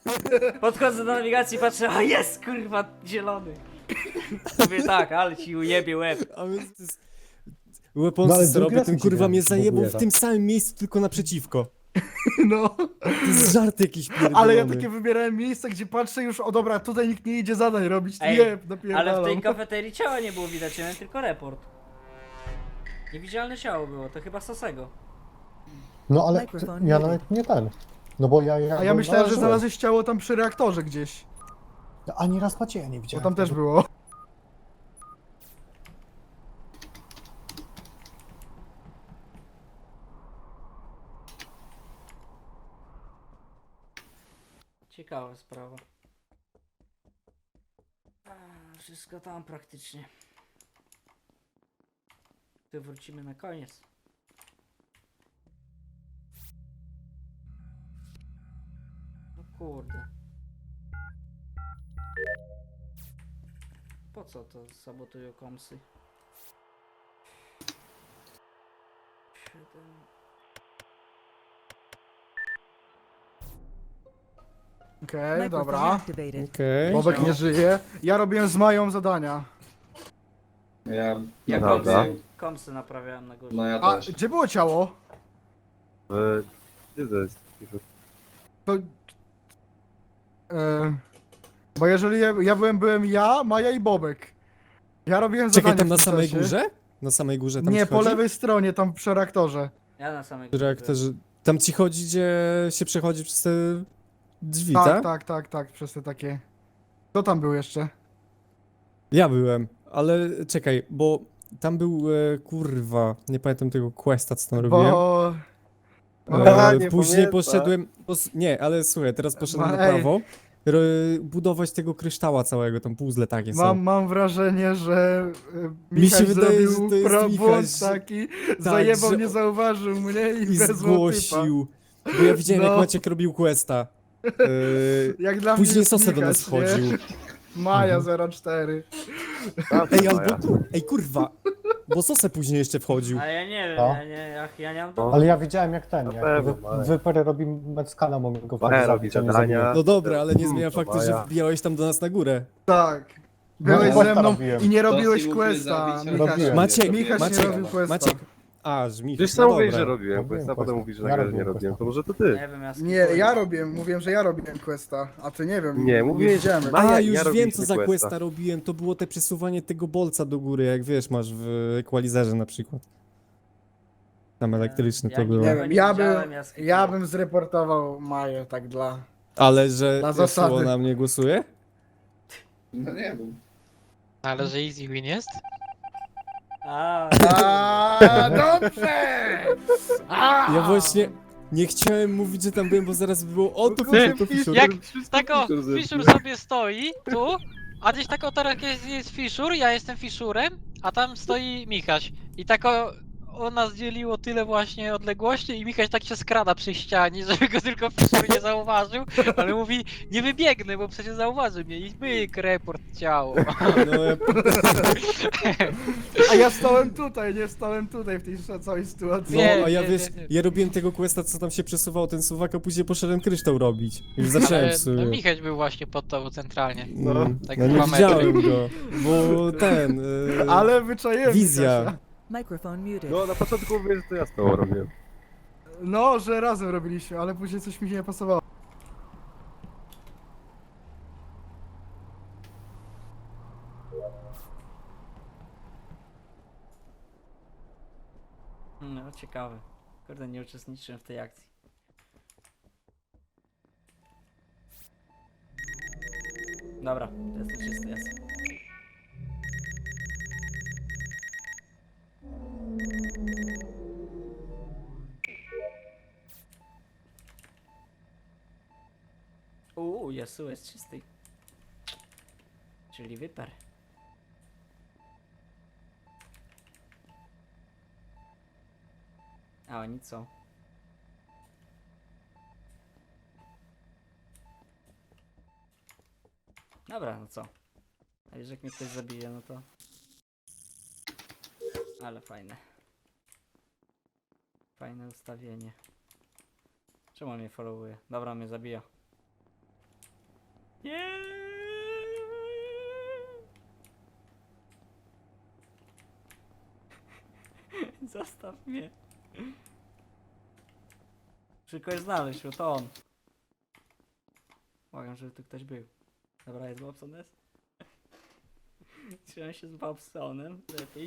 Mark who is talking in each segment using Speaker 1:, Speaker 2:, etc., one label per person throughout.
Speaker 1: Podchodzę do nawigacji i patrzę, a jest kurwa zielony. Mówię tak, ale ci ujebie łeb.
Speaker 2: A więc to jest...
Speaker 3: No
Speaker 2: Weaponsy
Speaker 3: ale
Speaker 2: co
Speaker 3: drugi
Speaker 2: robię,
Speaker 3: raz
Speaker 2: ten
Speaker 3: mi się
Speaker 2: kurwa
Speaker 3: gra,
Speaker 2: mnie
Speaker 3: się
Speaker 2: zajebał
Speaker 3: buguje,
Speaker 2: w
Speaker 3: tak.
Speaker 2: tym samym miejscu, tylko naprzeciwko.
Speaker 4: No,
Speaker 2: To jest żart jakiś pierdolony.
Speaker 4: ale ja takie wybierałem miejsce, gdzie patrzę już, o dobra, tutaj nikt nie idzie zadań robić,
Speaker 1: Ej,
Speaker 4: nie,
Speaker 1: ale w
Speaker 4: napierdalam.
Speaker 1: tej kafeterii ciała nie było widać, miałem tylko report. Niewidzialne ciało było, to chyba Sosego.
Speaker 3: No ale
Speaker 5: Microphone
Speaker 3: ja
Speaker 5: muted.
Speaker 3: nawet nie ten. No bo ja
Speaker 4: A ja
Speaker 3: byłem
Speaker 4: myślałem, że
Speaker 3: należyłem.
Speaker 4: znalazłeś ciało tam przy reaktorze gdzieś,
Speaker 3: Ani raz Macieja nie
Speaker 4: bo
Speaker 3: widziałem.
Speaker 4: tam też
Speaker 3: wtedy.
Speaker 4: było.
Speaker 1: Ciekawa sprawa. Wszystko tam praktycznie. Tu wrócimy na koniec. No kurde. Po co to sabotują komsy? 7.
Speaker 4: Okej,
Speaker 5: Microphone
Speaker 4: dobra.
Speaker 5: activated.
Speaker 2: Okej.
Speaker 4: Bobek nie żyje. Ja robiłem z Mają zadania.
Speaker 1: Ja
Speaker 6: Dobra.
Speaker 1: komsy naprawiałem na górze.
Speaker 6: No ja
Speaker 4: A
Speaker 6: też.
Speaker 4: gdzie było ciało?
Speaker 6: Gdzie to jest?
Speaker 4: To... bo jeżeli ja byłem ja, Maja i Bobek. Ja robiłem
Speaker 2: Czekaj,
Speaker 4: zadania
Speaker 2: tam
Speaker 4: w
Speaker 2: na
Speaker 4: tym
Speaker 2: samej
Speaker 4: czasie.
Speaker 2: górze? Na samej górze tam
Speaker 4: Nie,
Speaker 2: ci
Speaker 4: po
Speaker 2: chodzi?
Speaker 4: lewej stronie, tam przy reaktorze.
Speaker 1: Ja na samej
Speaker 2: Przy
Speaker 1: górze
Speaker 2: reaktorze... Tam ci chodzi, gdzie się przechodzi przez te drzwi,
Speaker 4: Tak, przez te takie... Kto tam był jeszcze?
Speaker 2: Ja byłem, ale czekaj, bo tam był, kurwa, nie pamiętam tego questa, co tam robiłem.
Speaker 4: Bo...
Speaker 6: Nie
Speaker 2: Później
Speaker 6: pamiętam.
Speaker 2: poszedłem, nie, ale słuchaj, teraz poszedłem na
Speaker 4: Ej.
Speaker 2: prawo, budować tego kryształa całego, tam puzzle takie są.
Speaker 4: Mam wrażenie, że
Speaker 2: Mi się
Speaker 4: Michał
Speaker 2: wydaje,
Speaker 4: zrobił
Speaker 2: że to jest
Speaker 4: błąd
Speaker 2: Michał, że-
Speaker 4: taki, zajebał,
Speaker 2: że-
Speaker 4: nie zauważył mnie i
Speaker 2: I
Speaker 4: wezwał typa.
Speaker 2: zgłosił, bo ja widziałem, jak
Speaker 4: No.
Speaker 2: Maciek robił questa.
Speaker 4: Jak dla mnie
Speaker 2: Później
Speaker 4: jest
Speaker 2: Sosę do
Speaker 4: Michał,
Speaker 2: nas
Speaker 4: nie?
Speaker 2: chodził.
Speaker 4: Maja 04.
Speaker 2: Ej, ej, kurwa, bo Sosę później jeszcze wchodził.
Speaker 1: Ale ja nie wiem,
Speaker 3: No.
Speaker 1: ja nie mam
Speaker 6: No.
Speaker 3: Ale ja widziałem jak ten,
Speaker 6: Na
Speaker 3: jak
Speaker 6: pewno, ale-
Speaker 3: Wyper robi Meckana, mogę go
Speaker 6: Maja robi
Speaker 3: zabić, a nie
Speaker 6: zadania.
Speaker 3: zabiję.
Speaker 2: No dobra, ale nie zmienia
Speaker 6: To
Speaker 2: faktu, że
Speaker 6: Maja.
Speaker 2: wbijałeś tam do nas na górę.
Speaker 4: Tak. Byłeś
Speaker 3: No,
Speaker 4: ze mną
Speaker 3: robiłem.
Speaker 4: i nie robiłeś
Speaker 7: Dosyć mógłby
Speaker 4: questa.
Speaker 7: zabić,
Speaker 4: Michał,
Speaker 3: robiłem.
Speaker 2: Maciek,
Speaker 4: Michał nie
Speaker 2: Maciek,
Speaker 4: robił questa.
Speaker 2: Maciek. A, żmich.
Speaker 6: Przecież
Speaker 2: no
Speaker 6: sam mówisz,
Speaker 2: dobra.
Speaker 6: że robiłem
Speaker 3: Robiłem
Speaker 6: questa, a potem
Speaker 3: questa.
Speaker 6: mówisz, że
Speaker 3: Ja
Speaker 6: nagle nie
Speaker 3: robiłem
Speaker 6: robiłem.
Speaker 3: questa.
Speaker 6: To może to ty?
Speaker 1: Nie wiem, ja
Speaker 4: Nie, ja robiłem, mówiłem, że ja robiłem questa, a ty nie wiem.
Speaker 6: Nie, mówiłeś,
Speaker 4: widziałem.
Speaker 6: że
Speaker 2: A,
Speaker 6: ja
Speaker 2: już wiem,
Speaker 6: robiliśmy
Speaker 2: co za
Speaker 6: questa.
Speaker 2: questa robiłem. To było te przesuwanie tego bolca do góry, jak wiesz, masz w equalizerze na przykład. Tam elektryczne
Speaker 1: Ja
Speaker 2: to
Speaker 1: nie
Speaker 2: było.
Speaker 4: Nie
Speaker 1: wiem.
Speaker 4: wiem,
Speaker 1: widziałem,
Speaker 4: ja bym zreportował Maję, tak dla...
Speaker 2: Ale że
Speaker 4: Na
Speaker 2: Sło
Speaker 4: zasady.
Speaker 2: na mnie głosuje?
Speaker 7: No nie wiem.
Speaker 8: Ale że easy win jest?
Speaker 1: A,
Speaker 4: A, dobrze! A!
Speaker 2: Ja właśnie nie chciałem mówić, że tam byłem, bo zaraz by było o to
Speaker 6: Ty,
Speaker 2: Fisher, to Fisher.
Speaker 8: Jak tako Fishur sobie stoi tu, a gdzieś tako teraz jest Fishur, ja jestem Fishurem, a tam stoi Michaś. I tako on nas dzieliło tyle właśnie odległości i Michaś tak się skrada przy ścianie, żeby go tylko Fishur nie zauważył, ale mówi nie wybiegnę, bo przecież zauważy mnie i myk, report ciało.
Speaker 2: No, ja...
Speaker 4: A ja stałem tutaj, nie stałem tutaj w tej całej sytuacji.
Speaker 2: No,
Speaker 8: Nie,
Speaker 2: a ja
Speaker 8: nie,
Speaker 2: wiesz,
Speaker 8: nie.
Speaker 2: ja robiłem tego questa, co tam się przesuwał ten suwak, a później poszedłem kryształ robić. Już zacząłem
Speaker 8: Ale
Speaker 2: w sumie.
Speaker 8: no, Michaś był właśnie pod tobą centralnie.
Speaker 2: No,
Speaker 8: tak
Speaker 2: no nie
Speaker 8: 2 metry.
Speaker 2: widziałem go, bo ten...
Speaker 4: Ale wyczaiłem
Speaker 2: Wizja.
Speaker 4: Kasia.
Speaker 5: Microphone muted.
Speaker 6: No na początku mówię, że to ja z tobą robiłem.
Speaker 4: No, że razem robiliśmy, ale później coś mi się nie pasowało.
Speaker 1: no ciekawe. Kurde, nie uczestniczyłem w tej akcji. Dobra, to jest czysty, jest. Jesu, jest czysty. Czyli wyper. A oni co? Dobra, no co? A jeżeli mnie ktoś zabije, no to... Ale fajne. Fajne ustawienie. Czemu on mnie followuje? Dobra, mnie zabija. Nie. Zostaw mnie. Muszę kogoś znaleźć, bo to on. Błagam, żeby tu ktoś był. Dobra, jest Bobson S. Trzymam się z Bobsonem, lepiej.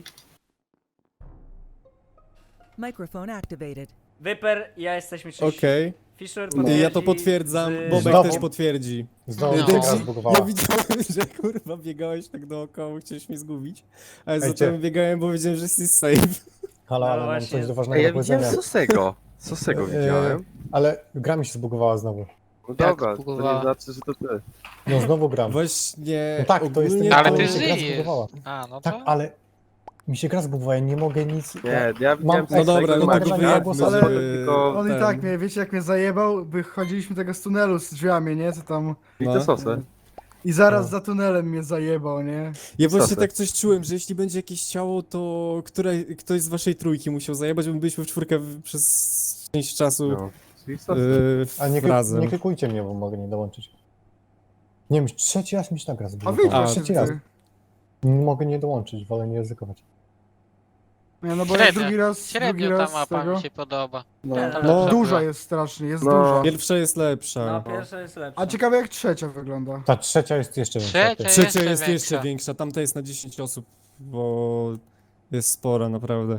Speaker 5: Microphone activated.
Speaker 1: Wyper, ja jesteśmy czyści.
Speaker 2: Okej.
Speaker 1: Fisher
Speaker 3: No.
Speaker 2: Ja to
Speaker 1: potwierdzi
Speaker 2: potwierdzam,
Speaker 1: z-
Speaker 2: Bobek
Speaker 3: Znowu?
Speaker 2: też potwierdzi.
Speaker 3: Znowu
Speaker 8: No.
Speaker 3: się gra
Speaker 2: Dexi,
Speaker 3: zbugowała.
Speaker 2: ja widziałem, że kurwa biegałeś tak dookoła, chciałeś mnie zgubić. Ale
Speaker 3: Ej,
Speaker 2: zacząłem
Speaker 3: ty.
Speaker 2: biegałem, bo wiedziałem, że jesteś safe.
Speaker 3: Halo,
Speaker 1: No
Speaker 3: ale mam
Speaker 1: właśnie.
Speaker 3: coś do
Speaker 6: Ej,
Speaker 3: ważnego
Speaker 6: ja
Speaker 3: do powiedzenia.
Speaker 6: widziałem Sosego. Sosego widziałem.
Speaker 3: Ale gra mi się zbugowała znowu.
Speaker 6: No
Speaker 8: Jak
Speaker 6: dobra, to
Speaker 8: zbugowała?
Speaker 6: nie znaczy, że to ty.
Speaker 3: No znowu gram.
Speaker 2: Właśnie,
Speaker 3: No tak, to jest
Speaker 2: ogólnie
Speaker 3: ten-
Speaker 8: Ale
Speaker 3: to
Speaker 8: ty
Speaker 3: mi się gra
Speaker 8: żyjesz.
Speaker 3: zbugowała.
Speaker 8: A, no
Speaker 3: Tak,
Speaker 8: to...
Speaker 3: ale mi się gra zbugowała, ja nie mogę nic...
Speaker 6: Nie, ja widziałem
Speaker 3: No dobra,
Speaker 2: no
Speaker 3: mam
Speaker 2: to go
Speaker 3: nadzieję,
Speaker 2: wyjadmy,
Speaker 3: że-
Speaker 2: żeby...
Speaker 6: tylko-
Speaker 4: On i
Speaker 2: ten-
Speaker 4: tak mnie, wiecie jak mnie zajebał? Wychodziliśmy tego z tunelu z drzwiami, nie? Co tam...
Speaker 6: I
Speaker 2: No.
Speaker 6: te sosy.
Speaker 4: I zaraz
Speaker 3: No.
Speaker 4: za tunelem mnie zajebał, nie?
Speaker 2: Ja właśnie
Speaker 6: Sosy.
Speaker 2: tak coś czułem, że jeśli będzie jakieś ciało, to ktoś z waszej trójki musiał zajebać, bo my byliśmy w czwórkę przez część czasu
Speaker 6: No. Czyli sosy.
Speaker 3: A nie,
Speaker 2: razem.
Speaker 3: nie klikujcie mnie, bo mogę nie dołączyć. Nie wiem, trzeci raz mi się ta gra
Speaker 4: A
Speaker 3: zbugowała.
Speaker 4: wyjdź
Speaker 2: A,
Speaker 4: właśnie
Speaker 3: Trzeci raz.
Speaker 4: ty.
Speaker 3: Nie mogę nie dołączyć, wolę nie ryzykować.
Speaker 4: Nie, no bo jak
Speaker 8: Średnio.
Speaker 4: drugi raz
Speaker 8: Średnio ta
Speaker 4: z
Speaker 8: mapa
Speaker 4: tego...
Speaker 8: mi się podoba.
Speaker 3: No.
Speaker 8: Ta
Speaker 2: No.
Speaker 8: lepsza
Speaker 4: Duża
Speaker 8: była.
Speaker 4: jest strasznie, jest
Speaker 6: No.
Speaker 4: duża.
Speaker 2: Pierwsza jest lepsza.
Speaker 1: No, pierwsza jest lepsza.
Speaker 4: A ciekawe jak trzecia wygląda.
Speaker 3: Ta trzecia jest jeszcze większa.
Speaker 8: Trzecia
Speaker 3: ty.
Speaker 2: Trzecia
Speaker 8: jeszcze
Speaker 2: jest jeszcze
Speaker 8: większa.
Speaker 2: większa, tamta jest na 10 osób, bo jest spora naprawdę.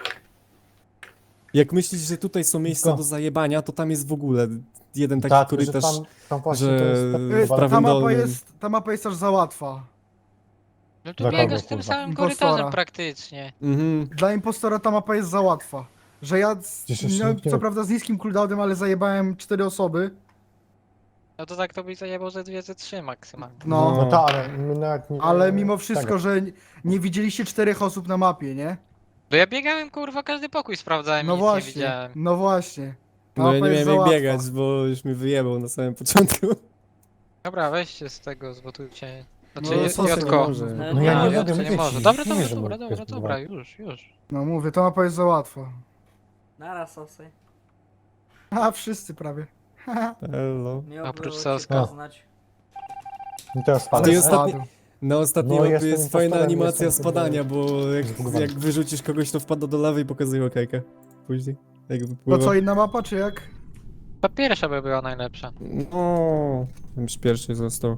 Speaker 2: Jak myślisz, że tutaj są miejsca
Speaker 3: No.
Speaker 2: do zajebania, to tam jest w ogóle jeden taki
Speaker 3: Tak, że
Speaker 2: korytarz.
Speaker 3: tam właśnie
Speaker 2: że
Speaker 3: to jest... tak
Speaker 2: w
Speaker 3: wywalone.
Speaker 2: prawym dolnym.
Speaker 4: Ta mapa jest aż za łatwa.
Speaker 8: No tu
Speaker 3: Dla kogo,
Speaker 8: biegasz tym
Speaker 3: kurwa?
Speaker 8: samym
Speaker 4: Impostora.
Speaker 8: korytarzem praktycznie.
Speaker 2: Mhm.
Speaker 4: Dla impostora ta mapa jest za łatwa. Że ja,
Speaker 3: Przecież jeszcze
Speaker 4: miałem,
Speaker 3: nikt nie-
Speaker 4: co prawda z niskim cooldownem, ale zajebałem 4 osoby.
Speaker 8: No to tak to byś zajebał ze 2, ze 3 maksymalnie.
Speaker 4: No.
Speaker 3: No tak, ale my nawet nie...
Speaker 4: Ale mimo wszystko,
Speaker 3: tak.
Speaker 4: że nie widzieliście 4 osób na mapie, nie?
Speaker 8: Bo ja biegałem kurwa każdy pokój sprawdzałem i
Speaker 4: No
Speaker 8: nic nie
Speaker 4: właśnie,
Speaker 8: widziałem.
Speaker 4: no właśnie. Ta
Speaker 2: No ja
Speaker 4: mapa
Speaker 2: nie
Speaker 4: jest
Speaker 2: miałem
Speaker 4: za
Speaker 2: jak
Speaker 4: łatwa.
Speaker 2: biegać, bo już mi wyjebał na samym początku.
Speaker 8: Dobra, weźcie z tego, zbotujcie.
Speaker 4: No,
Speaker 8: Znaczy,
Speaker 4: Sosy nie
Speaker 8: Jotko.
Speaker 2: może.
Speaker 3: No ja nie
Speaker 8: Jotko
Speaker 3: mogę
Speaker 8: nie
Speaker 3: wiedzieć.
Speaker 8: może. Dobra,
Speaker 3: Nie
Speaker 8: dobra,
Speaker 3: wiem, że
Speaker 8: dobra,
Speaker 3: mogę
Speaker 8: dobra,
Speaker 3: jest
Speaker 8: dobra,
Speaker 3: zbugowana.
Speaker 8: już.
Speaker 4: No mówię, ta mapa jest za łatwa.
Speaker 1: Naraz sosy.
Speaker 4: A, wszyscy prawie.
Speaker 2: Hello.
Speaker 1: Miło
Speaker 8: Oprócz
Speaker 1: było cię
Speaker 8: Soska.
Speaker 1: poznać.
Speaker 3: I teraz
Speaker 2: A
Speaker 3: spadł.
Speaker 2: ty
Speaker 3: nie?
Speaker 2: ostatni-
Speaker 4: Spadł.
Speaker 2: Na ostatniej
Speaker 3: No,
Speaker 2: mapie
Speaker 3: jestem
Speaker 2: jest fajna
Speaker 3: impostorem,
Speaker 2: animacja
Speaker 3: jestem
Speaker 2: spadania, bo
Speaker 3: zbugowany.
Speaker 2: jak wyrzucisz kogoś, to wpada do lawy i pokazuje okejkę. Później, jak
Speaker 4: To
Speaker 2: wypływa.
Speaker 4: co, inna mapa, czy jak?
Speaker 8: Ta pierwsza by była najlepsza.
Speaker 2: No, już pierwszy został.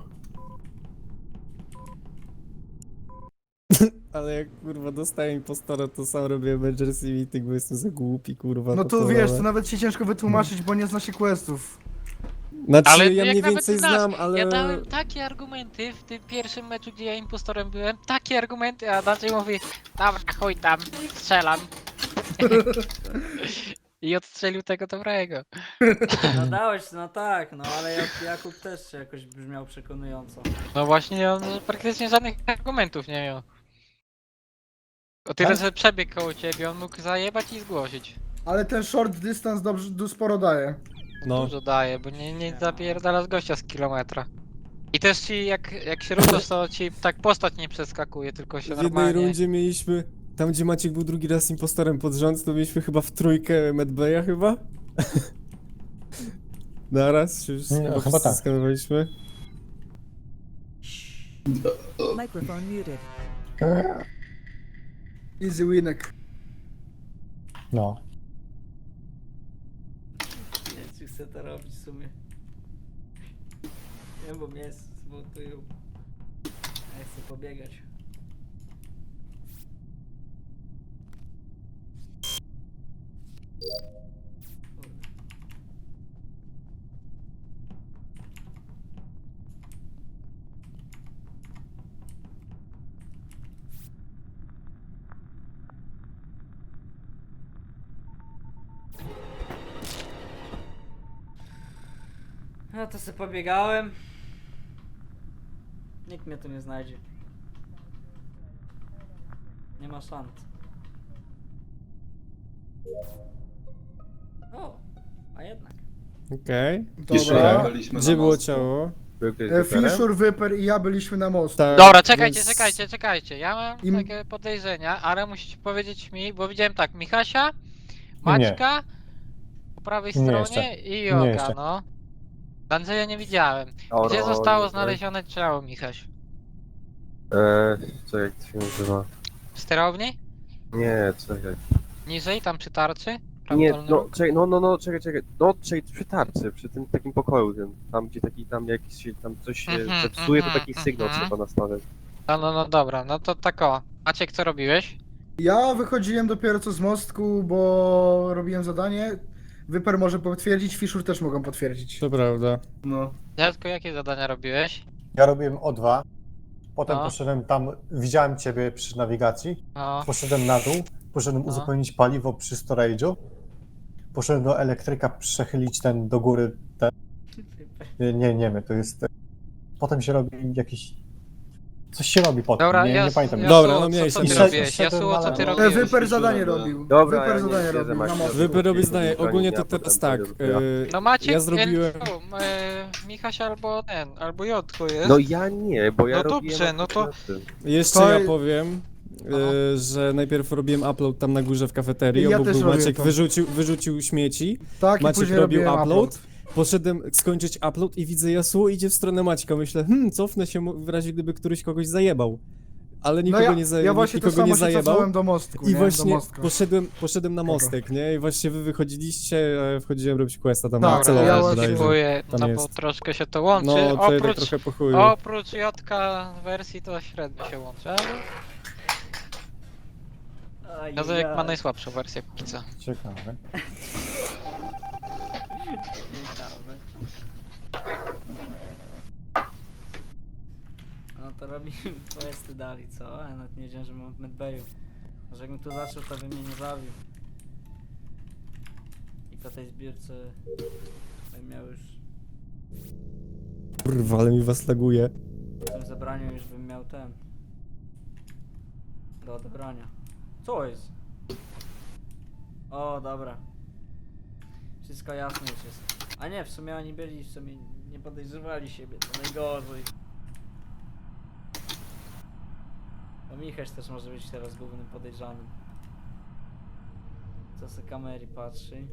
Speaker 2: Ale jak kurwa dostaję impostora, to sam robię emergency meeting, bo jestem za głupi, kurwa.
Speaker 4: No
Speaker 2: to
Speaker 4: to
Speaker 2: co,
Speaker 4: wiesz,
Speaker 2: ale-
Speaker 4: to nawet się ciężko wytłumaczyć, bo nie zna się questów.
Speaker 2: Znaczy,
Speaker 8: Ale
Speaker 2: ja
Speaker 8: jak
Speaker 2: mniej
Speaker 8: nawet
Speaker 2: więcej
Speaker 8: znasz,
Speaker 2: znam, ale...
Speaker 8: Ja dałem takie argumenty w tym pierwszym meczu, gdzie ja impostorem byłem, takie argumenty, a Dacie mówi, dobra, chuj tam, strzelam. I odstrzelił tego dobrego.
Speaker 1: No dałeś, no tak, no ale Jakub też jakoś brzmiał przekonująco.
Speaker 8: No właśnie, on praktycznie żadnych argumentów nie miał. O tyle,
Speaker 3: Tak?
Speaker 8: że przebiegł koło ciebie, on mógł zajebać i zgłosić.
Speaker 4: Ale ten short dystans sporo daje.
Speaker 2: No,
Speaker 8: Dużo daje, bo nie zapierdala z gościa z kilometra. I też ci, jak się ruszasz, to ci tak postać nie przeskakuje, tylko się
Speaker 2: w jednej
Speaker 8: normalnie...
Speaker 2: rundzie mieliśmy... Tam, gdzie Maciek był drugi raz impostorem pod rząd, to mieliśmy chyba w trójkę Medbaya chyba? Naraz się już
Speaker 3: Nie,
Speaker 2: chyba
Speaker 3: chyba tak.
Speaker 2: skanowaliśmy.
Speaker 5: Microphone muted.
Speaker 4: Easy winek.
Speaker 3: No.
Speaker 1: Nie, czy chcę to robić w sumie. Nie, bo mnie zmontują. Ja chcę pobiegać. No to sobie pobiegałem. Nikt mnie tu nie znajdzie. Nie ma szans. O, a jednak.
Speaker 2: Okej.
Speaker 4: Dobra.
Speaker 7: Byliśmy
Speaker 2: Gdzie
Speaker 7: na
Speaker 2: było
Speaker 7: mostku.
Speaker 2: ciało?
Speaker 6: Był kiedyś wyperem?
Speaker 4: Fisher, Wyper i ja byliśmy na most.
Speaker 2: Tak,
Speaker 8: Dobra, czekajcie,
Speaker 2: więc-
Speaker 8: czekajcie. Ja mam
Speaker 4: Im-
Speaker 8: takie podejrzenia, ale musicie powiedzieć mi, bo widziałem tak, Michasia, Maćka, po prawej
Speaker 3: Nie
Speaker 8: stronie
Speaker 3: jeszcze.
Speaker 8: i
Speaker 3: Nie
Speaker 8: Joga,
Speaker 3: jeszcze.
Speaker 8: no. Andrzeja nie widziałem. Gdzie zostało znalezione ciało, Michaś?
Speaker 6: Co jak to się nazywa?
Speaker 8: W sterowni?
Speaker 6: Nie, czekaj.
Speaker 8: Niżej, tam przy tarczy?
Speaker 6: Nie,
Speaker 8: Prawy dolny
Speaker 6: no,
Speaker 8: róg?
Speaker 6: czekaj, czekaj. No, czekaj, przy tarczy, przy tym takim pokoju, tam gdzie taki, tam jakiś się, tam coś się
Speaker 8: Mhm,
Speaker 6: zepsuje, to
Speaker 8: mhm,
Speaker 6: taki sygnał
Speaker 8: mhm.
Speaker 6: trzeba nastawiać.
Speaker 8: No dobra, no to tak o. Maciek, co robiłeś?
Speaker 4: Ja wychodziłem dopiero co z mostku, bo robiłem zadanie. Wyper może potwierdzić, Fiszur też mogą potwierdzić.
Speaker 2: To prawda.
Speaker 7: No.
Speaker 8: Dziadku, jakie zadania robiłeś?
Speaker 3: Ja robiłem O2, potem
Speaker 8: No.
Speaker 3: poszedłem tam, widziałem ciebie przy nawigacji,
Speaker 8: No,
Speaker 3: poszedłem na dół, poszedłem
Speaker 8: No.
Speaker 3: uzupełnić paliwo przy storage'u, poszedłem do elektryka przechylić ten do góry, ten... Nie, to jest... Potem się robi jakiś... Coś się robi potem,
Speaker 8: dobra,
Speaker 3: nie pamiętam.
Speaker 2: Dobra,
Speaker 8: Jasuo,
Speaker 2: no mniejsza,
Speaker 8: co ty
Speaker 2: mniejsza.
Speaker 8: robiłeś?
Speaker 3: Szedłem
Speaker 8: Jasuo, co ty
Speaker 3: na-
Speaker 8: robiłeś?
Speaker 4: Wyper zadanie
Speaker 7: Fiszur,
Speaker 4: robił.
Speaker 6: Dobra,
Speaker 4: Wyper
Speaker 6: ja nie
Speaker 4: zadanie
Speaker 6: siedzę,
Speaker 4: robił na
Speaker 6: Maciek.
Speaker 4: mostku.
Speaker 2: Wyper robi
Speaker 6: Potem
Speaker 2: zdanie,
Speaker 6: potem
Speaker 2: ogólnie to
Speaker 6: potem
Speaker 2: teraz
Speaker 6: potem
Speaker 2: tak.
Speaker 6: potem
Speaker 8: No Maciek,
Speaker 2: Ja zrobiłem...
Speaker 8: Michaś albo ten, albo Jotku jest.
Speaker 6: No ja nie, bo ja
Speaker 8: No
Speaker 6: robiłem...
Speaker 8: dobrze, no to-
Speaker 6: na tym.
Speaker 2: Jeszcze
Speaker 4: To-
Speaker 2: ja powiem, że najpierw robiłem upload tam na górze w kafeterii,
Speaker 4: Ja
Speaker 2: obok
Speaker 4: też
Speaker 2: był
Speaker 4: robiłem
Speaker 2: Maciek,
Speaker 4: to.
Speaker 2: wyrzucił śmieci,
Speaker 4: Tak, i
Speaker 2: Maciek
Speaker 4: później
Speaker 2: robił
Speaker 4: robiłem
Speaker 2: upload, poszedłem skończyć upload i widzę Yasuo idzie w stronę Maćka, myślę, cofnę się w razie gdyby któryś kogoś zajebał. Ale
Speaker 4: No
Speaker 2: nikogo
Speaker 4: ja,
Speaker 2: nie
Speaker 4: ja
Speaker 2: zajebał,
Speaker 4: właśnie to
Speaker 2: nikogo
Speaker 4: samo
Speaker 2: nie
Speaker 4: się
Speaker 2: zajebał.
Speaker 4: cofnąłem do mostku,
Speaker 2: I
Speaker 4: nie? Do
Speaker 2: właśnie
Speaker 4: mostka.
Speaker 2: poszedłem na mostek, nie? I właśnie wy wychodziliście, a ja wchodziłem robić questa tam
Speaker 4: Tak,
Speaker 2: na celowe,
Speaker 4: ja
Speaker 8: ja
Speaker 4: właśnie-
Speaker 2: bodajże.
Speaker 8: skipuję,
Speaker 2: Tam
Speaker 8: no bo
Speaker 2: jest.
Speaker 8: troszkę się to łączy.
Speaker 2: No, to jednak
Speaker 8: oprócz,
Speaker 2: trochę po chuju.
Speaker 8: oprócz Jotka wersji to średnio się łączy, ale Jazek ma najsłabszą wersję póki co.
Speaker 3: Ciekawe.
Speaker 1: No to robimy questy dalej, co? Ja nawet nie wiedziałem, że mam w medbayu. Może jakbym tu zaczął, to bym mnie nie zabił. I po tej zbiórce bym miał już...
Speaker 2: Kurwa, ale mi was laguje.
Speaker 1: W tym zebraniu już bym miał ten... Do odebrania. Co jest? O, dobra. Wszystko jasne już jest. A nie, w sumie oni byli, w sumie nie podejrzewali siebie, to najgorzej. Bo Michaś też może być teraz głównym podejrzanym. Co se kamery patrzy.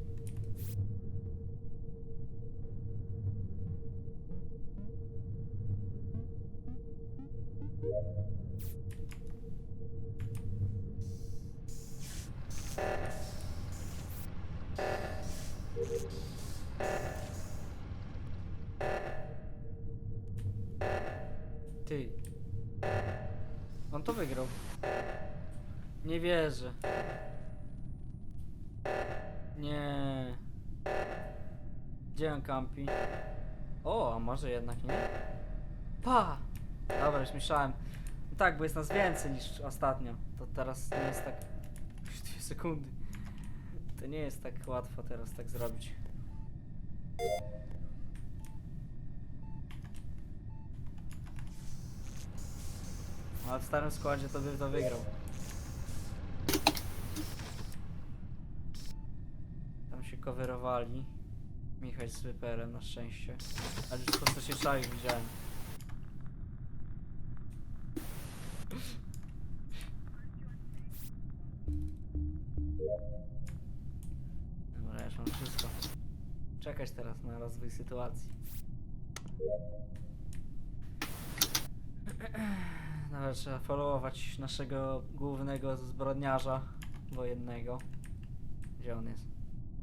Speaker 1: Ty. On to wygrał. Nie wierzę. Nie. Gdzie on kampi? O, a może jednak nie? Pa! Dobra, już myślałem. No tak, bo jest nas więcej niż ostatnio. To teraz nie jest tak... 2 sekundy. To nie jest tak łatwo teraz tak zrobić. Ale w starym składzie to by to wygrał. Tam się coverowali. Michał z Wyperem na szczęście. Ale już po co się czaił widziałem. Dobra, ja już mam wszystko. Czekać teraz na rozwój sytuacji. Nawet trzeba followować naszego głównego zbrodniarza wojennego. Gdzie on jest?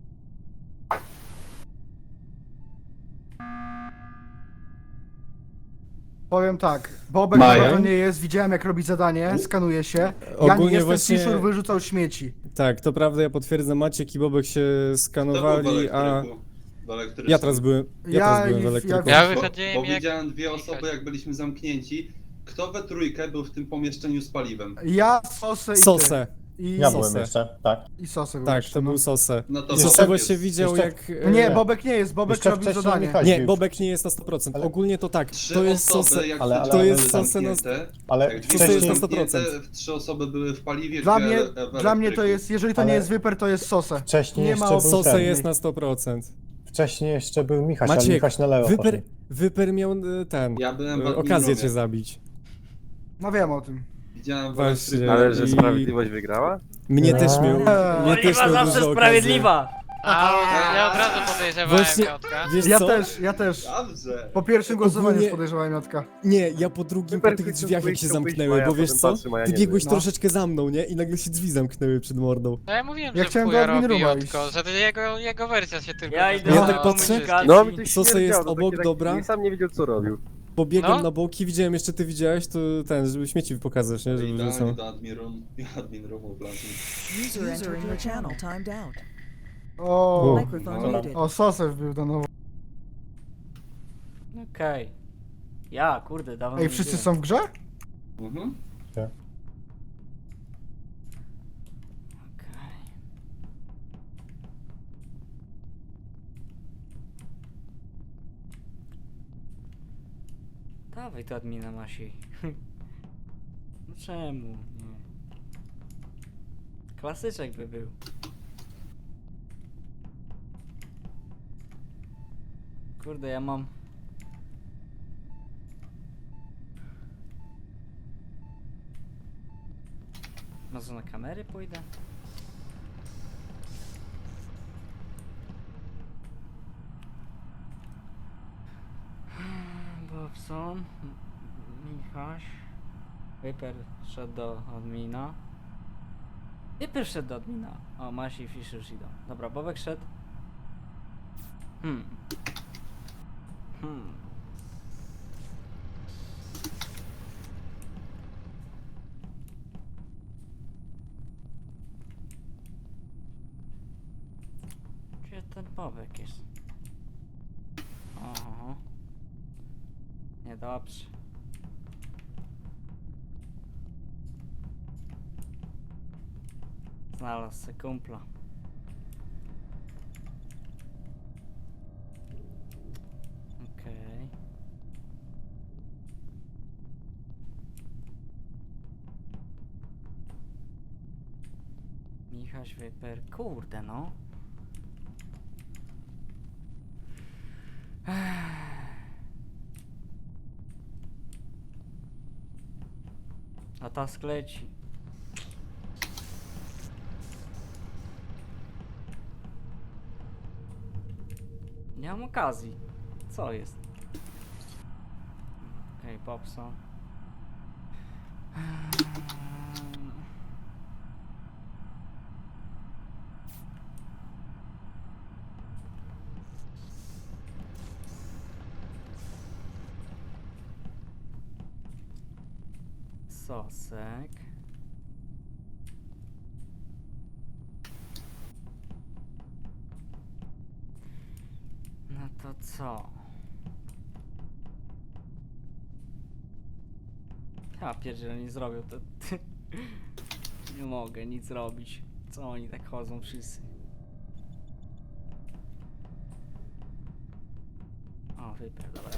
Speaker 4: Powiem tak, Bobek
Speaker 7: Maja?
Speaker 4: to nie jest, widziałem jak robi zadanie, skanuje się. Ja nie
Speaker 2: Ogólnie
Speaker 4: jestem,
Speaker 2: właśnie-
Speaker 4: Fiszur wyrzucał śmieci.
Speaker 2: Tak, to prawda, ja potwierdzam, Maciek i Bobek się skanowali, a ja teraz byłem,
Speaker 4: Ja
Speaker 2: byłem w
Speaker 4: i-
Speaker 2: elektryku.
Speaker 8: Ja
Speaker 7: Bo
Speaker 8: wychodziłem jak...
Speaker 7: widziałem dwie osoby, jak byliśmy zamknięci. Kto we trójkę był w tym pomieszczeniu z paliwem?
Speaker 4: Ja, Sosę i ty.
Speaker 2: Sosę,
Speaker 4: I,
Speaker 3: Ja
Speaker 2: Sosę.
Speaker 3: byłem jeszcze, tak.
Speaker 4: i Sosę był
Speaker 2: tak,
Speaker 4: jeszcze,
Speaker 2: to
Speaker 4: no.
Speaker 2: był Sosę.
Speaker 7: No to
Speaker 3: Jeszcze-
Speaker 2: Sosę
Speaker 7: Bobek
Speaker 2: właśnie
Speaker 7: jest.
Speaker 2: widział
Speaker 3: Jeszcze-
Speaker 2: jak...
Speaker 4: Nie,
Speaker 3: Nie.
Speaker 4: Bobek nie jest, Bobek
Speaker 3: Jeszcze
Speaker 4: robił
Speaker 3: wcześniej
Speaker 4: zadanie.
Speaker 3: Michał.
Speaker 2: Nie,
Speaker 3: Już.
Speaker 2: Bobek nie jest na 100%.
Speaker 3: Ale-
Speaker 2: Ogólnie to tak,
Speaker 7: Trzy
Speaker 2: to jest
Speaker 7: osoby,
Speaker 2: Sosę...
Speaker 7: jak
Speaker 3: ale-
Speaker 7: te
Speaker 3: ale-
Speaker 7: drzwi
Speaker 2: to jest
Speaker 7: były
Speaker 2: Sosę na-
Speaker 7: zamknięte,
Speaker 3: Ale
Speaker 7: jak drzwi były
Speaker 2: jest na
Speaker 3: wcześniej,
Speaker 2: 100%.
Speaker 7: zamknięte, 3 osoby były w paliwie,
Speaker 4: Dla
Speaker 7: dwie
Speaker 4: mnie,
Speaker 7: w
Speaker 4: dla mnie to
Speaker 7: elektryku.
Speaker 4: jest, jeżeli to nie
Speaker 3: Ale-
Speaker 4: jest Wyper, to jest Sosę.
Speaker 3: wcześniej
Speaker 4: Nie
Speaker 3: jeszcze
Speaker 4: ma
Speaker 3: był
Speaker 2: Sosę
Speaker 3: ten,
Speaker 2: jest na 100%.
Speaker 3: Wcześniej jeszcze był Michał, ale
Speaker 2: Maciek,
Speaker 3: Michał na lewo poszedł.
Speaker 2: Wyper miał ten...
Speaker 7: Ja byłem w
Speaker 2: okazję
Speaker 7: admirowie.
Speaker 2: cię zabić.
Speaker 4: No wiem o tym.
Speaker 7: Widziałem w
Speaker 2: Właśnie.
Speaker 7: elektryku.
Speaker 6: Ale że
Speaker 2: I-
Speaker 6: sprawiedliwość wygrała?
Speaker 2: Mnie też miał...
Speaker 4: Eee.
Speaker 2: Mnie też
Speaker 1: Oliwa
Speaker 2: miał
Speaker 1: zawsze
Speaker 2: dużo
Speaker 1: sprawiedliwa!
Speaker 8: Ja od razu podejrzewałem
Speaker 2: Właśnie-
Speaker 8: Miotka.
Speaker 2: Wiesz
Speaker 4: Ja
Speaker 2: co?
Speaker 4: też, ja też.
Speaker 7: Dobrze.
Speaker 4: Po pierwszym głosowaniu
Speaker 2: Ogólnie-
Speaker 4: już podejrzewałem Miotka.
Speaker 2: Nie, ja po drugim, po
Speaker 6: Super,
Speaker 2: tych
Speaker 6: Krzysiu,
Speaker 2: drzwiach jak się
Speaker 6: chciał wyjść,
Speaker 2: zamknęły,
Speaker 6: Maja,
Speaker 2: bo wiesz
Speaker 6: potem
Speaker 2: co?
Speaker 6: patrzy, Maja
Speaker 2: Ty
Speaker 6: nie
Speaker 2: biegłeś
Speaker 4: wyjdzie.
Speaker 2: troszeczkę za mną, nie? I nagle się drzwi zamknęły przed mordą.
Speaker 8: No ja mówiłem,
Speaker 4: Ja
Speaker 8: że
Speaker 4: chciałem
Speaker 8: w
Speaker 4: do
Speaker 8: chuja
Speaker 4: admin
Speaker 8: robi
Speaker 4: rooma
Speaker 8: Jotko,
Speaker 4: iść.
Speaker 8: że to jego wersja się tylko...
Speaker 1: Ja idę
Speaker 2: Ja
Speaker 1: do
Speaker 2: tak patrzę.
Speaker 1: komunikacji.
Speaker 6: No, mi to
Speaker 2: Co
Speaker 6: śmierdziało,
Speaker 2: jest
Speaker 6: to
Speaker 2: obok,
Speaker 6: takie
Speaker 2: dobra?
Speaker 6: I sam nie wiedział co robił.
Speaker 2: Pobiegłem
Speaker 8: No.
Speaker 2: na boki, widziałem jeszcze ty widziałeś, to żeby śmieci pokazać, nie? Żeby
Speaker 7: Idealnie
Speaker 2: wrzucał.
Speaker 7: do admin roomu wlazłem.
Speaker 5: User entered your channel timed out.
Speaker 4: O,
Speaker 5: Microphone
Speaker 7: Dobra.
Speaker 5: muted.
Speaker 4: o Sosę wbił do nowo.
Speaker 1: Okej. Ja, kurde, dawno
Speaker 4: Ej,
Speaker 1: nie
Speaker 4: wszyscy
Speaker 1: byłem.
Speaker 4: są w grze?
Speaker 7: Mhm.
Speaker 1: Okej. Dawaj to admina Masi. No czemu? Nie. Klasyczek by był. Kurde, ja mam... Może na kamery pójdę? Bobson, Michaś, Wyper szedł do admina. Wyper szedł do admina. O, Masi i Fisher już idą. Dobra, Bobek szedł. Hmm. Gdzie ten Bobek jest? Oho. Niedobrze. Znalazł se kumpla. Okej. Michaś Wyper. Kurde no. A task leci. Nie mam okazji. Co jest? Okej, Popson. Sosek. No to co? Ja pierdzielę, nie zrobią to. Nie mogę nic robić. Co oni tak chodzą wszyscy? O, Wyper, dobra.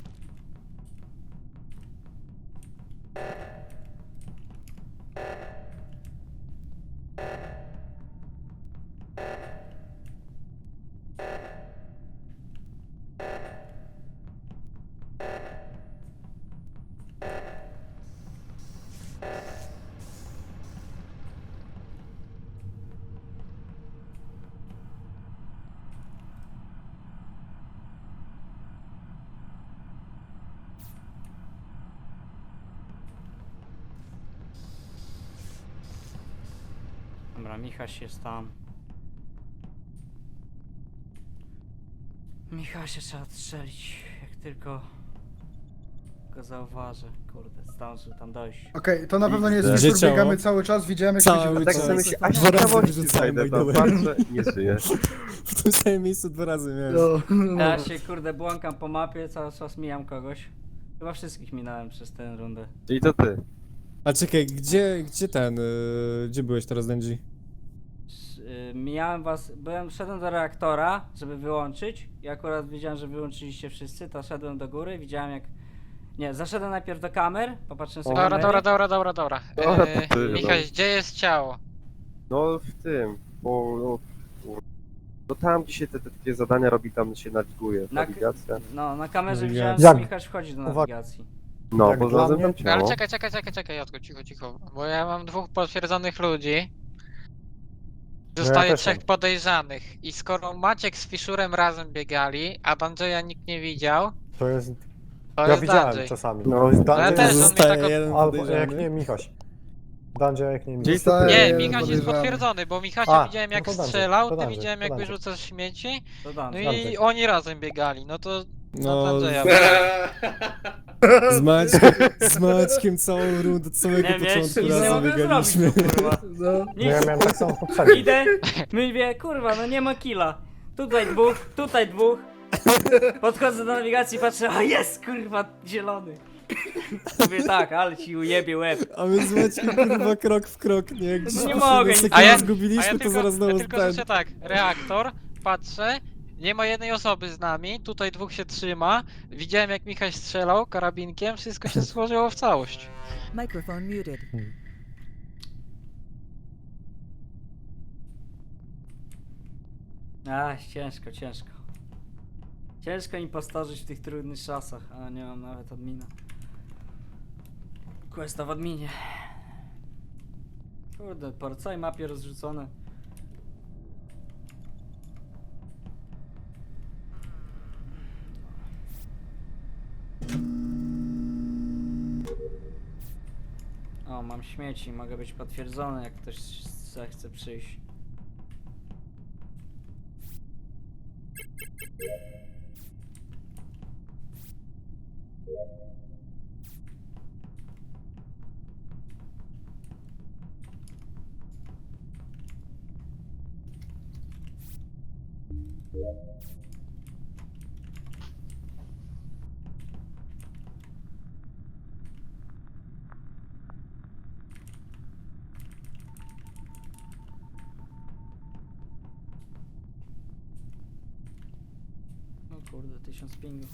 Speaker 1: Dobra, Michaś jest tam. Michasia trzeba odstrzelić, jak tylko go zauważę. Kurde, zdążył tam dojść.
Speaker 4: Okej, to na pewno nie jest
Speaker 2: Gdzie
Speaker 4: wieczór,
Speaker 2: ciało?
Speaker 4: biegamy cały czas, widziałem jak
Speaker 2: Cały
Speaker 4: ludzie
Speaker 6: Tak
Speaker 2: czas.
Speaker 6: sobie myślę, a
Speaker 2: Dwa razy
Speaker 6: ciekawości
Speaker 2: wyrzucałem
Speaker 6: znajdę tam,
Speaker 2: Wojdołem.
Speaker 6: patrzę, nie żyje.
Speaker 2: W tym samym miejscu 2 razy miałem.
Speaker 4: No.
Speaker 1: Ja się kurde błąkam po mapie, cały czas mijam kogoś. Chyba wszystkich minąłem przez tę rundę.
Speaker 6: I to ty.
Speaker 2: A czekaj, gdzie gdzie byłeś teraz, Denji?
Speaker 1: Mijałem was, szedłem do reaktora, żeby wyłączyć i akurat widziałem, że wyłączyliście wszyscy, to szedłem do góry, widziałem jak... Nie, zaszedłem najpierw do kamer, popatrzyłem sobie
Speaker 8: Dobra,
Speaker 1: kamery.
Speaker 8: dobra.
Speaker 6: Dobra, to ty,
Speaker 8: Michaś,
Speaker 6: no.
Speaker 8: gdzie jest ciało?
Speaker 6: No w tym, bo no tam gdzie się te takie zadania robi, tam się nawiguje,
Speaker 1: Na-
Speaker 6: nawigacja.
Speaker 1: No, na kamerze
Speaker 2: No
Speaker 1: widziałem,
Speaker 3: jak-
Speaker 1: że Michał wchodzi do
Speaker 3: Uwaga.
Speaker 1: nawigacji.
Speaker 6: No,
Speaker 3: Jak
Speaker 6: bo
Speaker 3: dla
Speaker 6: znalazłem
Speaker 3: mnie-
Speaker 6: tam
Speaker 8: Ale
Speaker 6: ciało.
Speaker 8: czekaj, Jotko, cicho, bo ja mam 2 potwierdzonych ludzi. Zostaje
Speaker 3: też
Speaker 8: trzech
Speaker 3: mam.
Speaker 8: podejrzanych. I skoro Maciek z Fiszurem razem biegali, a Danjeya nikt nie widział,
Speaker 3: To jest...
Speaker 8: to
Speaker 3: Ja
Speaker 8: jest
Speaker 3: widziałem
Speaker 8: Danjay.
Speaker 3: czasami.
Speaker 6: No,
Speaker 3: To jest
Speaker 8: No ja
Speaker 3: Dungeon,
Speaker 8: też, on mnie
Speaker 2: Zostaje
Speaker 8: tak od...
Speaker 2: jeden
Speaker 3: albo jak
Speaker 2: podejrzany.
Speaker 3: nie Michaś. Dungeon jak nie Michaś.
Speaker 6: Gdzieś to
Speaker 4: Zostaje
Speaker 8: Nie,
Speaker 4: jeden
Speaker 8: Michaś jest
Speaker 4: podejrzany.
Speaker 8: potwierdzony, bo Michasia
Speaker 3: A,
Speaker 8: widziałem
Speaker 3: no
Speaker 8: jak
Speaker 3: to Danjay,
Speaker 8: strzelał,
Speaker 3: to
Speaker 8: ty
Speaker 3: Danjay,
Speaker 8: widziałem
Speaker 3: to
Speaker 8: jak
Speaker 3: Danjay.
Speaker 8: wyrzucasz śmieci,
Speaker 1: To dam.
Speaker 8: no i
Speaker 3: Danjay.
Speaker 8: oni razem biegali, no to na
Speaker 2: No,
Speaker 8: Danjeya.
Speaker 2: z Maćkiem całą rundę, od samego
Speaker 1: Nie, wiesz,
Speaker 2: początku
Speaker 1: nic nie
Speaker 2: razem
Speaker 1: mogę
Speaker 2: biegaliśmy.
Speaker 1: zrobić, kurwa.
Speaker 4: No.
Speaker 3: No ja
Speaker 1: Nic.
Speaker 3: miałem tak samo poprzednio.
Speaker 1: Idę, mówię, kurwa, no nie ma killa. Tutaj dwóch. Podchodzę do nawigacji, patrzę, a jest, kurwa, zielony. Mówię tak, ale ci ujebie łeb.
Speaker 2: A my z Maćkiem kurwa krok w krok, nie? Jak gdzieś
Speaker 1: Nie
Speaker 2: po
Speaker 1: mogę,
Speaker 2: sekundę
Speaker 8: A ja
Speaker 2: zgubiliśmy, to zaraz
Speaker 8: ja
Speaker 2: znowu
Speaker 8: tylko
Speaker 2: ten.
Speaker 8: słyszę tak, reaktor, patrzę, nie ma jednej osoby z nami, tutaj dwóch się trzyma, widziałem jak Michał strzelał karabinkiem, wszystko się złożyło w całość.
Speaker 5: Microphone muted.
Speaker 1: Ciężko. Ciężko impostorzyć w tych trudnych czasach, a nie mam nawet admina. Questa w adminie. Kurde, po całej mapie rozrzucone. O, mam śmieci, mogę być potwierdzony, jak ktoś zechce przyjść. O kurde, 1000 pingów.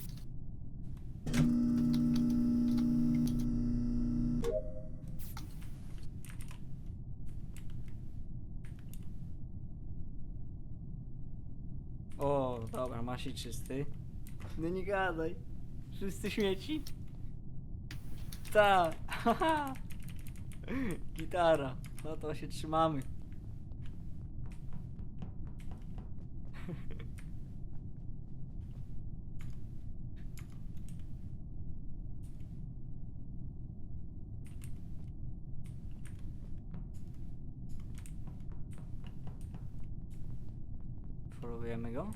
Speaker 1: O, dobra, masz i czysty. No nie gadaj. Wszyscy śmieci? Tak. haha. Gitara. No to się trzymamy. Followujemy go?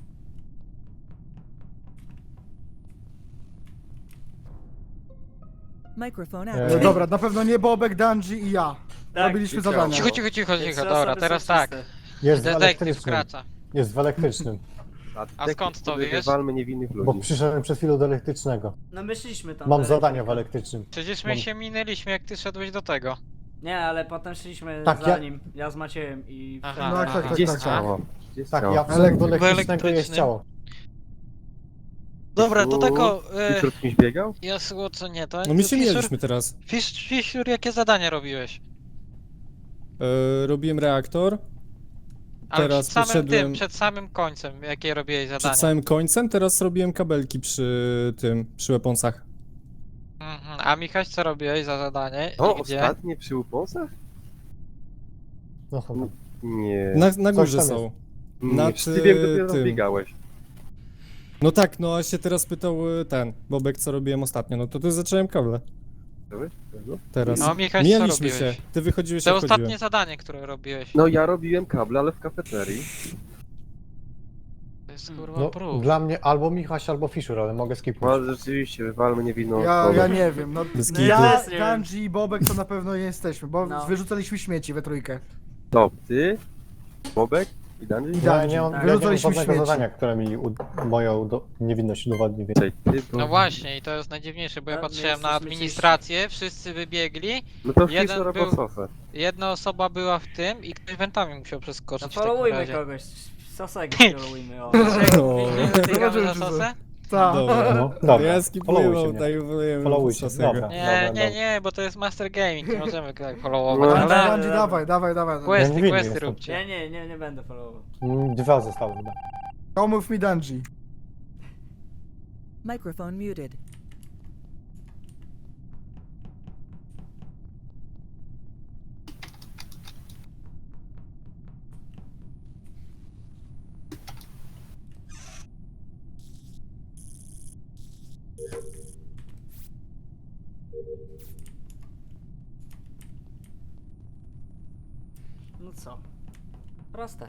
Speaker 5: Microphone
Speaker 3: No
Speaker 4: No
Speaker 5: activated.
Speaker 4: dobra, na pewno nie Bobek, Dungy i ja.
Speaker 1: Tak,
Speaker 4: Robiliśmy
Speaker 6: ciekawe.
Speaker 4: zadania.
Speaker 8: Cicho,
Speaker 1: Te trzy
Speaker 8: dobra,
Speaker 1: osoby
Speaker 8: teraz
Speaker 1: są
Speaker 8: tak,
Speaker 1: czyste.
Speaker 3: Jest w
Speaker 8: detektyw
Speaker 3: elektrycznym.
Speaker 8: skraca.
Speaker 3: Jest w elektrycznym.
Speaker 8: A skąd to wiesz?
Speaker 6: Walmy niewinnych
Speaker 3: Bo
Speaker 6: ludzi.
Speaker 3: przyszedłem przed chwilą do elektrycznego.
Speaker 1: No my szliśmy tam.
Speaker 3: Mam
Speaker 1: do
Speaker 3: zadania w
Speaker 1: elektryka.
Speaker 3: elektrycznym.
Speaker 8: Przecież my
Speaker 3: Mam-
Speaker 8: się minęliśmy jak ty szedłeś do tego.
Speaker 1: Nie, ale potem szliśmy
Speaker 3: Tak,
Speaker 1: za
Speaker 3: ja-
Speaker 1: nim. Ja z Maciejem i...
Speaker 8: Aha,
Speaker 4: No,
Speaker 8: aha.
Speaker 4: tak,
Speaker 6: Gdzie
Speaker 4: tak,
Speaker 6: jest
Speaker 4: tak.
Speaker 6: ciało? Gdzie jest
Speaker 3: Tak,
Speaker 6: ciało?
Speaker 3: ja wszedłem do
Speaker 4: Elektryk-
Speaker 3: elektrycznego i jest
Speaker 8: elektrycznym.
Speaker 3: ciało.
Speaker 8: Dobra, to tako,
Speaker 6: Fisher z kimś biegał?
Speaker 8: ja słuchaj, co nie, to
Speaker 2: No my się
Speaker 8: Fisher-
Speaker 2: mieliśmy teraz.
Speaker 8: Fisher, jakie zadania robiłeś?
Speaker 2: Robiłem reaktor.
Speaker 8: Ale
Speaker 2: Teraz
Speaker 8: przed samym
Speaker 2: poszedłem-
Speaker 8: tym, przed samym końcem, jakie robiłeś zadania?
Speaker 2: Przed samym końcem, teraz robiłem kabelki przy weaponsach.
Speaker 8: Mhm. A Michaś, co robiłeś za zadanie?
Speaker 6: O,
Speaker 8: I gdzie?
Speaker 6: ostatnie przy uponsach?
Speaker 3: No chyba.
Speaker 6: Nie.
Speaker 2: Na
Speaker 3: Coś
Speaker 2: górze
Speaker 3: tam
Speaker 2: są.
Speaker 6: Nie,
Speaker 2: nad,
Speaker 6: wszyscy wiem, dopiero tam
Speaker 2: tym.
Speaker 6: biegałeś.
Speaker 2: No tak, no a się teraz pytał ten Bobek, co robiłem ostatnio. No to zacząłem kable. Teraz.
Speaker 8: No, Michał, co
Speaker 2: Mijaliśmy się.
Speaker 8: robiłeś?
Speaker 2: Ty wychodziłeś,
Speaker 8: To
Speaker 2: ja
Speaker 8: ostatnie
Speaker 2: wchodziłem.
Speaker 8: zadanie, które robiłeś.
Speaker 6: No ja robiłem kable, ale w kafeterii.
Speaker 8: To jest kurwa
Speaker 3: No,
Speaker 8: prób.
Speaker 3: dla mnie albo Michaś, albo Fisher, ale mogę
Speaker 6: No
Speaker 3: skipnąć.
Speaker 6: ale rzeczywiście, wywalmy niewinną
Speaker 4: Ja
Speaker 6: osobę.
Speaker 4: nie wiem, no
Speaker 2: Bez
Speaker 1: No
Speaker 2: kitu.
Speaker 1: ja
Speaker 4: ja,
Speaker 1: też nie wiem.
Speaker 4: Dungy i Bobek to na pewno nie jesteśmy, bo
Speaker 1: No.
Speaker 4: wyrzucaliśmy śmieci we trójkę.
Speaker 6: To ty, Bobek i Dungeon?
Speaker 4: I
Speaker 3: Ja
Speaker 4: Dungy.
Speaker 3: nie mam,
Speaker 1: tak.
Speaker 3: ja nie mam
Speaker 4: Wyrzucaliśmy
Speaker 3: żadnego
Speaker 4: śmieci.
Speaker 3: zadania, które mi moją niewinność udowodni.
Speaker 6: Czekaj, ty,
Speaker 8: No właśnie, i to jest najdziwniejsze, bo ja
Speaker 1: A, my
Speaker 8: patrzyłem na
Speaker 1: jesteśmy
Speaker 8: administrację, wszyscy wybiegli,
Speaker 6: No to
Speaker 8: jeden
Speaker 6: Fisher
Speaker 8: był-
Speaker 6: albo Sofę.
Speaker 8: jedna osoba była w tym i ktoś wentami musiał przeskoczyć
Speaker 1: No
Speaker 8: w takim
Speaker 1: followujmy
Speaker 8: razie.
Speaker 1: kogoś. Sosego followujmy, o.
Speaker 2: No.
Speaker 8: Biegamy za sosę?
Speaker 4: Tak.
Speaker 2: Dobra.
Speaker 3: No, dobra.
Speaker 2: Ja
Speaker 3: Followuj się
Speaker 2: skipuję,
Speaker 3: mnie.
Speaker 2: dajmy
Speaker 3: Followujcie, dobra.
Speaker 8: Nie, bo to jest Master Gaming, nie możemy tak
Speaker 6: No,
Speaker 8: followować,
Speaker 4: Dungy,
Speaker 8: ale
Speaker 4: Dungy, dawaj.
Speaker 3: Ja nie
Speaker 8: questy
Speaker 3: jestem.
Speaker 8: róbcie.
Speaker 1: Nie będę followował.
Speaker 3: 2 zostały chyba.
Speaker 4: Come with me, Dungy.
Speaker 5: Microphone muted.
Speaker 1: No co? Proste.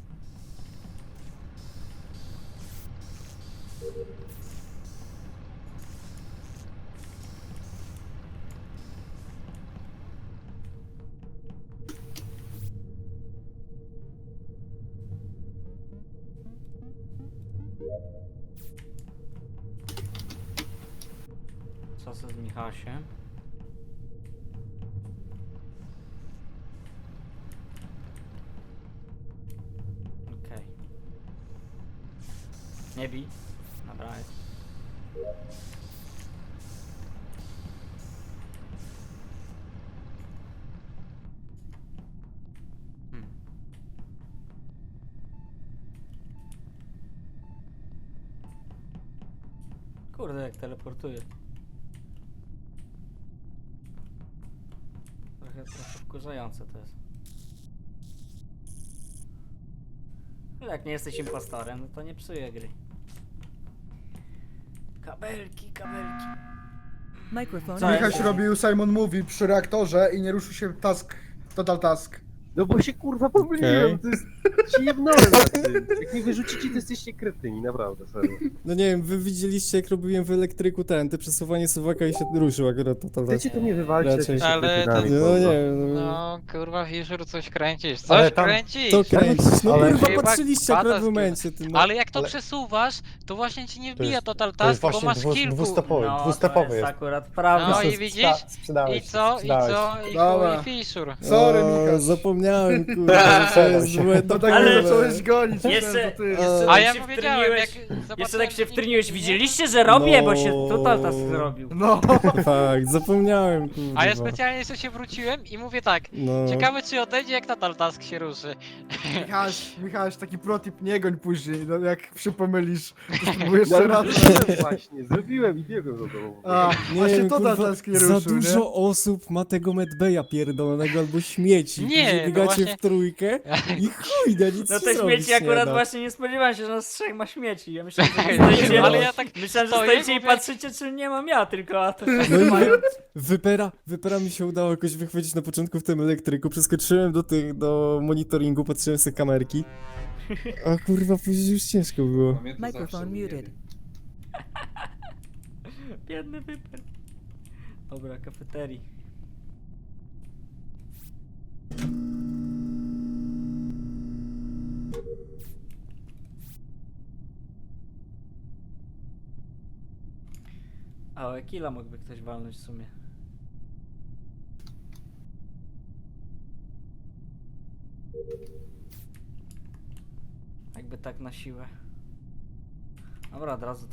Speaker 1: Co z Michasiem? Okej. Nie bij. Dobra, jest. Hmm. Kurde, jak teleportuje. Trochę wkurzające to jest. Ale jak nie jesteś impostorem, no to nie psuje gry. Kabelki, kabelki.
Speaker 5: Microphone
Speaker 1: Co jest?
Speaker 4: Michaś robił Simon Movie przy reaktorze i nie ruszył się task, total task.
Speaker 6: No bo się kurwa pomyliłem,
Speaker 2: Okej.
Speaker 6: to jest... Się jebnąłem na tym. Jak mnie wyrzucicie, to jesteście kretyni, naprawdę, serio.
Speaker 2: No nie wiem, wy widzieliście jak robiłem w elektryku te przesuwanie suwaka i się ruszył akurat to
Speaker 6: Chcecie to mnie wywalczyć,
Speaker 2: Raczej.
Speaker 6: jesteście
Speaker 8: Ale to-
Speaker 6: kretynami.
Speaker 2: No
Speaker 6: kurwa.
Speaker 2: nie, no.
Speaker 8: No kurwa, Fisher, coś kręcisz,
Speaker 3: Ale
Speaker 8: coś
Speaker 3: tam-
Speaker 8: kręcisz!
Speaker 2: To kręcisz, no
Speaker 3: Ale-
Speaker 2: kurwa
Speaker 8: Chyba
Speaker 2: patrzyliście akurat w
Speaker 8: gada z
Speaker 2: momencie, ty, no.
Speaker 8: Ale jak to
Speaker 3: Ale-
Speaker 8: przesuwasz, to właśnie ci nie wbija
Speaker 3: jest-
Speaker 8: total
Speaker 3: To jest
Speaker 8: task, bo
Speaker 3: właśnie
Speaker 8: masz kilku.
Speaker 3: dwustepowy,
Speaker 1: No,
Speaker 3: dwustepowy
Speaker 1: to jest
Speaker 3: jest.
Speaker 1: akurat prawda.
Speaker 8: No
Speaker 3: To
Speaker 8: i
Speaker 3: jest-
Speaker 8: widzisz?
Speaker 3: sprzedałeś
Speaker 8: I
Speaker 3: się,
Speaker 8: co? I
Speaker 3: sprzedałeś
Speaker 8: co? I
Speaker 4: Dobra.
Speaker 8: chuj Fisher.
Speaker 4: Sorry,
Speaker 2: O,
Speaker 4: Michaś.
Speaker 2: zapomniałem, kurwa, że to jest
Speaker 3: się.
Speaker 2: złe
Speaker 4: No tak
Speaker 1: Ale-
Speaker 4: ale... zacząłeś gonić,
Speaker 1: Jeszcze-
Speaker 4: myślałem, to ty.
Speaker 1: jeszcze-
Speaker 8: A
Speaker 1: tak
Speaker 8: ja
Speaker 1: się
Speaker 8: powiedziałem, jak
Speaker 1: wtryniłeś-
Speaker 8: zobaczyłem,
Speaker 1: Jeszcze tak się
Speaker 8: że nikt
Speaker 1: wtryniłeś,
Speaker 8: nie-
Speaker 1: widzieliście, że robię, bo się
Speaker 2: No.
Speaker 1: total task zrobił.
Speaker 4: No,
Speaker 2: Fakt, zapomniałem, kurwa.
Speaker 8: A ja specjalnie jeszcze się wróciłem i mówię tak,
Speaker 2: No.
Speaker 8: ciekawe czy odejdzie jak total task się ruszy.
Speaker 4: Michaś, taki protip, nie goń później, no jak się pomylisz, to spróbuj jeszcze
Speaker 6: No,
Speaker 4: raz.
Speaker 6: ale zrobiłem właśnie, zrobiłem i biegłem do domu.
Speaker 4: A,
Speaker 2: Nie
Speaker 4: właśnie
Speaker 2: wiem,
Speaker 4: total
Speaker 2: kurwa,
Speaker 4: task nie
Speaker 2: za
Speaker 4: ruszył, nie?
Speaker 2: dużo osób ma tego medbeja pierdolonego albo śmieci.
Speaker 8: Nie,
Speaker 2: Później
Speaker 8: no
Speaker 2: biegacie
Speaker 8: właśnie-
Speaker 2: w trójkę i chuj, no nic
Speaker 1: No
Speaker 2: się
Speaker 1: te
Speaker 2: zrobić
Speaker 1: śmieci
Speaker 2: nie
Speaker 1: akurat
Speaker 2: da.
Speaker 1: właśnie nie spodziewałem się, że nas trzech ma śmieci. Ja myślałem, że stoicie,
Speaker 8: Ale ja tak
Speaker 1: myślałem, że
Speaker 8: stoję,
Speaker 1: stoicie i
Speaker 8: mówię-
Speaker 1: patrzycie, czy nie mam ja, tylko a to
Speaker 2: No i
Speaker 1: mają...
Speaker 2: Wypera mi się udało jakoś wychwycić na początku w tym elektryku, przeskoczyłem do monitoringu, patrzyłem sobie kamerki. A kurwa, później już ciężko było.
Speaker 7: Mnie to
Speaker 5: Microphone
Speaker 7: zawsze
Speaker 5: muted.
Speaker 7: ujebie.
Speaker 1: Biedny wyper. Dobra, kafeterii. A o Ekila mógłby ktoś walnąć w sumie. Jakby tak na siłę. Dobra, od razu to...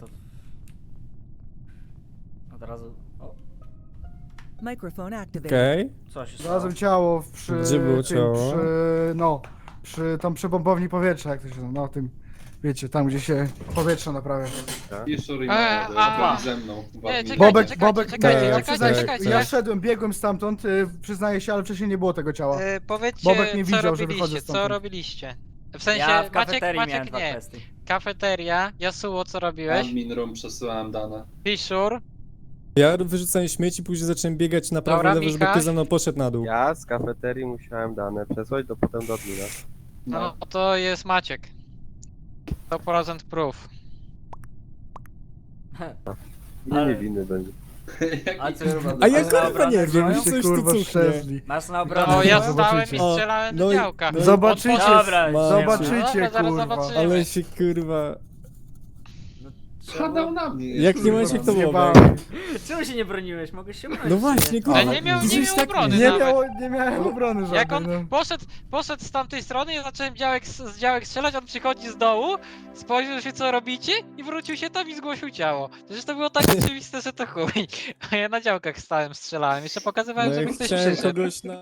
Speaker 1: Od razu... O,
Speaker 5: Microphone activated.
Speaker 2: Okej.
Speaker 1: co się stało?
Speaker 4: Znalazłem ciało przy
Speaker 2: Gdzie było
Speaker 4: tym,
Speaker 2: ciało?
Speaker 4: przy pompowni powietrza, jak to się no tym, wiecie, tam gdzie się powietrze naprawia.
Speaker 7: Jeszcze i
Speaker 8: a.
Speaker 7: ze mną.
Speaker 8: Nie, czekajcie,
Speaker 4: Bobek,
Speaker 8: czekajcie,
Speaker 4: Bobek,
Speaker 8: czekajcie,
Speaker 4: ja
Speaker 2: czekajcie,
Speaker 4: przyznaję,
Speaker 8: czekajcie.
Speaker 4: ja szedłem, biegłem stamtąd, przyznaję się, ale wcześniej nie było tego ciała.
Speaker 8: Powiedzcie,
Speaker 4: Bobek nie
Speaker 8: co
Speaker 4: widział, że
Speaker 8: robiliście,
Speaker 4: wychodzę
Speaker 8: co
Speaker 4: stamtąd.
Speaker 8: robiliście? W sensie,
Speaker 1: Ja w
Speaker 8: Maciek,
Speaker 1: kafeterii miałem
Speaker 8: Maciek
Speaker 1: dwa
Speaker 8: nie.
Speaker 1: testy.
Speaker 8: Kafeteria, Yasuo, co robiłeś?
Speaker 7: Admin room przesyłałem dane.
Speaker 8: Fisher,
Speaker 2: Ja wyrzucałem śmieci, później zacząłem biegać na prawo
Speaker 8: Dobra,
Speaker 2: i lewo, żeby
Speaker 8: Michał.
Speaker 2: ktoś ze mną poszedł na dół.
Speaker 6: Ja z kafeterii musiałem dane przesłać potem do admina.
Speaker 8: no to jest Maciek. 100% proof.
Speaker 6: Nie
Speaker 1: Ale-
Speaker 6: niewinny będzie.
Speaker 1: A co
Speaker 2: A ja
Speaker 1: masz na
Speaker 2: kurwa nie
Speaker 1: obronę
Speaker 2: wiem,
Speaker 1: swoją?
Speaker 2: coś tu
Speaker 4: kurwa
Speaker 2: cuchnie.
Speaker 4: szczerzli.
Speaker 1: Masz na
Speaker 8: No
Speaker 1: obronę
Speaker 8: ja
Speaker 1: swoją?
Speaker 8: stałem i
Speaker 2: O,
Speaker 8: strzelałem
Speaker 2: no
Speaker 8: do
Speaker 2: i-
Speaker 8: działka.
Speaker 2: no i-
Speaker 4: Zobaczycie,
Speaker 1: Dobra,
Speaker 4: zobaczycie,
Speaker 8: Dobra, zaraz
Speaker 4: kurwa.
Speaker 8: zobaczymy.
Speaker 2: Ale się kurwa...
Speaker 7: Hadał na mnie.
Speaker 2: Jak nie
Speaker 7: kurwa.
Speaker 2: Maciek to
Speaker 4: Zjebałem.
Speaker 2: Bobek.
Speaker 1: Czemu się nie broniłeś? Mogłeś się bronić.
Speaker 2: No właśnie, kurwa.
Speaker 8: Ale nie miał
Speaker 2: Gdzieś tak-
Speaker 8: obrony
Speaker 4: Nie,
Speaker 8: nawet.
Speaker 4: nie miałem obrony żadnej,
Speaker 8: Jak on
Speaker 4: no.
Speaker 8: poszedł z tamtej strony, ja zacząłem z działek strzelać, on przychodzi z dołu, spojrzał się co robicie i wrócił się tam i zgłosił ciało. Przecież to było tak oczywiste, że to chuj. A ja na działkach stałem, strzelałem, jeszcze pokazywałem,
Speaker 2: No
Speaker 8: żeby
Speaker 2: jak
Speaker 8: ktoś
Speaker 2: chciałem
Speaker 8: przyszedł.
Speaker 2: kogoś na...